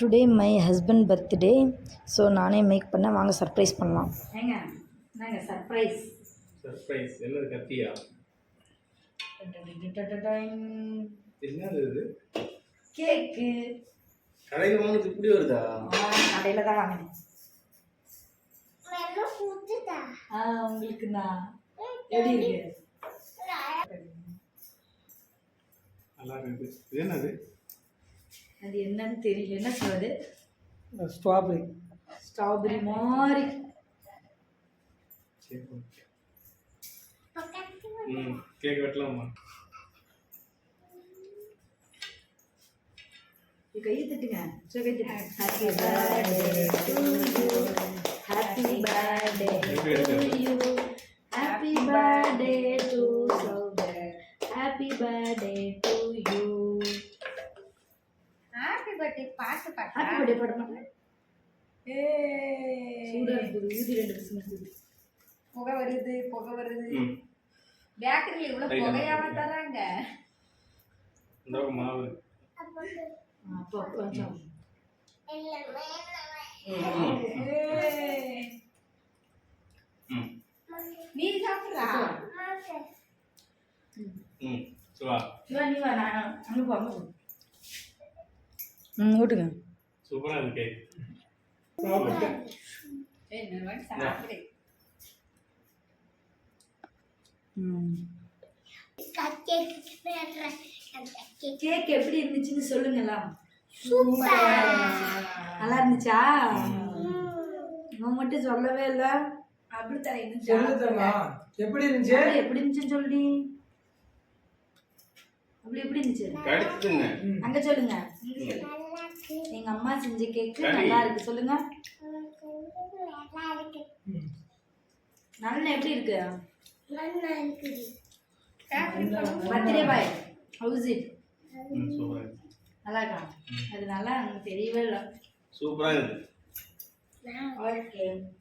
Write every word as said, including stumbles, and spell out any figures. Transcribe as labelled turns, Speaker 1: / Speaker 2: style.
Speaker 1: Today my husband birthday. So நானே make பண்ண, வாங்க சர்ப்ரைஸ் பண்ணலாம்.
Speaker 2: ஏங்க நாங்கள் சர்ப்ரைஸ்
Speaker 3: சர்ப்ரைஸ் என்னது? கத்தியா? என்னது இது?
Speaker 2: கேக்கு.
Speaker 3: கடையில் வாங்கினது இப்படி வருதா?
Speaker 2: கடையில் தான் வாங்கினேன். ஆ உங்களுக்கு நான் எப்படி இருக்கு?
Speaker 3: நல்லா இருக்கு. இது என்னது?
Speaker 2: அது என்னன்னு தெரியல. என்ன சொல்றது?
Speaker 1: ஸ்ட்ராபெரி.
Speaker 2: ஸ்ட்ராபெரி மாதிரி.
Speaker 3: ம் கேக் வெட்டலாமா?
Speaker 2: கையை தட்டுங்க. சரி கை தட்டுங்க. Happy birthday to you. Happy birthday to you. Happy birthday to சௌதர். Happy birthday to you.
Speaker 4: Happy birthday பாட்டு பாட்டு.
Speaker 2: ஹாப்பி பர்த்டே பாட மாட்டேன். ஏ சூடா இருக்குது. ஊதி ரெண்டு பசங்க
Speaker 4: புகை வருது புகை வருது. பேக்கரியில் இவ்வளோ புகையாம தராங்க.
Speaker 3: இந்த மாவு
Speaker 2: அப்போ கொஞ்சம்
Speaker 4: நீ சாப்பிட்றா?
Speaker 3: ம் சுவா
Speaker 2: சிவா நீ வா. நான் அங்கே போ அங்கே போ.
Speaker 1: ம் ஓட்டுங்க.
Speaker 3: சூப்பராக இருக்கு கேக்.
Speaker 4: சாப்பிடு.
Speaker 1: ம்
Speaker 2: கேக் எப்படி இருந்துச்சுன்னு சொல்லுங்களா?
Speaker 4: சூப்பர்.
Speaker 2: நல்லா இருந்துச்சா? நான் மட்டும் சொல்லவே இல்லை. அப்படி தர
Speaker 5: எப்படி இருந்துச்சு?
Speaker 2: எப்படி இருந்துச்சுன்னு சொல்லி. அப்படி எப்படி இருந்துச்சு
Speaker 3: கடிச்சுங்க.
Speaker 2: அங்க சொல்லுங்க. எங்க அம்மா செஞ்ச கேக்கு நல்லா இருக்கு சொல்லுங்க. நல்லா எப்படி இருக்கு? பர்த்டே பாய் ஹவுஸ் இட்
Speaker 3: ம் சூப்பராக இருக்கு.
Speaker 2: நல்லா இருக்கா? அது நல்லா எனக்கு தெரியவே இல்லை.
Speaker 3: சூப்பராக இருக்கு.
Speaker 2: ஓகே.